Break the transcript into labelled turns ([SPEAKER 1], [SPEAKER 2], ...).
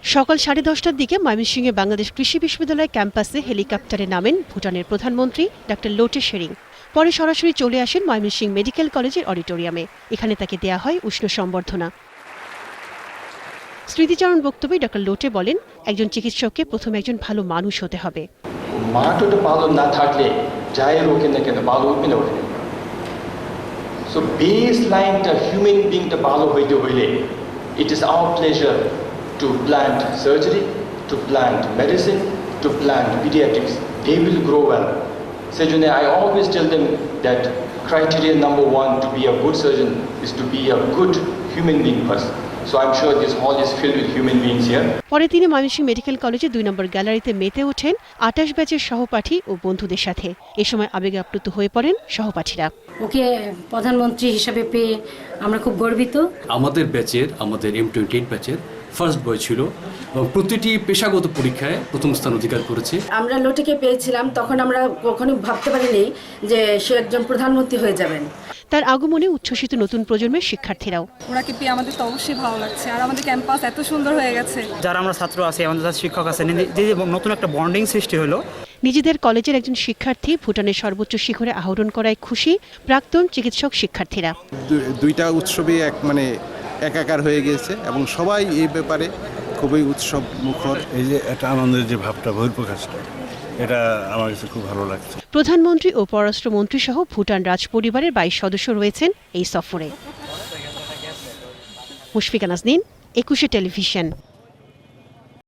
[SPEAKER 1] সকাল 10:30টার দিকে ময়মনসিংহে বাংলাদেশ কৃষি বিশ্ববিদ্যালয় ক্যাম্পাসে হেলিকপ্টারে নামেন ভুটানের প্রধানমন্ত্রী ডক্টর লোটে শেরিং। পরে সরাসরি চলে আসেন ময়মনসিংহ মেডিকেল কলেজের অডিটোরিয়ামে। এখানে তাকে দেয়া হয় উষ্ণ সম্বর্ধনা। স্মৃতিচারণ বক্তব্যে ডক্টর লোটে বলেন, একজন চিকিৎসককে প্রথমে একজন ভালো মানুষ হতে হবে।
[SPEAKER 2] মাটিটা ভালো না থাকলে যাই রোগে না কেন ভালো উঠবে না ওঠে। সো বেস লাইনটা হিউম্যান বিংটা ভালো হইতে হইলে it is our pleasure to plant surgery, to plant medicine, to plant pediatrics. They will grow well. So I always tell them that criteria number 1 to be a good surgeon is to be a good human being person. So I'm sure this hall is filled with human beings here.
[SPEAKER 1] পরে তিনি Mymensingh medical কলেজে 2 নম্বর গ্যালারিতে মেতে ওঠেন 28 ব্যাচের সহপাঠী ও বন্ধুদের সাথে। এ সময় আবেগে আপ্লুত হয়ে পড়েন সহপাঠীরা।
[SPEAKER 3] ওকে প্রধানমন্ত্রী হিসেবে পেয়ে আমরা খুব গর্বিত।
[SPEAKER 4] আমাদের M28 ব্যাচের ফার্স্ট বয় ছিল, প্রতিটি পেশাগত পরীক্ষায় প্রথম স্থান অধিকার করেছে।
[SPEAKER 3] আমরা লোটেকে পেয়েছিলাম, তখন আমরা কখনো ভাবতে পারিনি যে সে একজন প্রধানমন্ত্রী হয়ে যাবেন।
[SPEAKER 1] তার আগমনে উচ্ছ্বসিত নতুন প্রজন্মের শিক্ষার্থীরাও।
[SPEAKER 5] ওনাকে পেয়ে আমাদের তো অবশ্যই ভালো লাগছে, আর আমাদের ক্যাম্পাস এত সুন্দর হয়ে গেছে।
[SPEAKER 6] যারা আমরা ছাত্র আছি, আমাদের শিক্ষক আছেন, যে নতুন একটা বন্ডিং সৃষ্টি হলো।
[SPEAKER 1] নিজেদের কলেজের একজন শিক্ষার্থী ভুটানের সর্বোচ্চ শিখরে আহরণ করায় খুশি প্রাক্তন চিকিৎসক শিক্ষার্থীরা।
[SPEAKER 7] দুইটা উৎসবই একাকার হয়ে গিয়েছে এবং সবাই এই ব্যাপারে খুবই উৎসব মুখর।
[SPEAKER 8] এই যে একটা আনন্দের যে ভাবটা, বহিঃপ্রকাশটা, এটা আমার কাছে খুব ভালো লাগছে।
[SPEAKER 1] প্রধানমন্ত্রী ও পররাষ্ট্রমন্ত্রী সহ ভুটান রাজ পরিবারের 22 সদস্য রয়েছেন এই সফরে। মুশফিকা নাজনীন, 21 টেলিভিশন।